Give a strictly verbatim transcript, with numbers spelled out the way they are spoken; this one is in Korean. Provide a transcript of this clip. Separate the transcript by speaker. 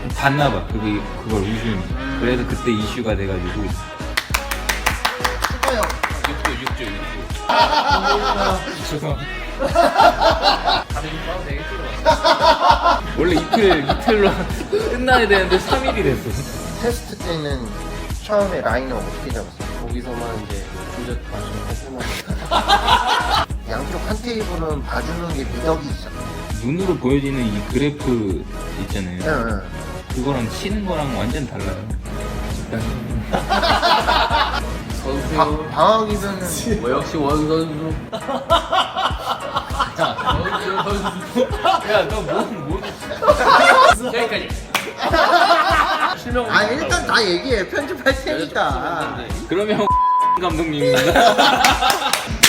Speaker 1: 봤나봐. 그게 그걸 우승. 그래서 그때 이슈가 돼가지고.
Speaker 2: 축하요.
Speaker 1: 육 조, 육 조, 육 조. 죄송합니다. 다들 좀 싸도 되겠지? 원래 이틀, 이틀로 끝나야 되는데 삼 일이 됐어.
Speaker 2: 테스트 때는 처음에 라인을 어떻게 잡았어요?
Speaker 3: 거기서만 이제 조작 마시고 해보면
Speaker 2: 양쪽 한 테이블은 봐주는 게 미덕이 있어.
Speaker 1: 눈으로 보여지는 이 그래프 있잖아요.
Speaker 2: 응, 응.
Speaker 1: 그거랑 치는 거랑 완전 달라요.
Speaker 3: 선수
Speaker 2: 방- 방학이면은
Speaker 3: 뭐 역시 원 선수
Speaker 1: 야, 너 뭐, 뭐.
Speaker 3: 여기까지 실명
Speaker 2: 아 일단 다 얘기해. 편집할 테니까.
Speaker 1: 그러면 감독님입니다.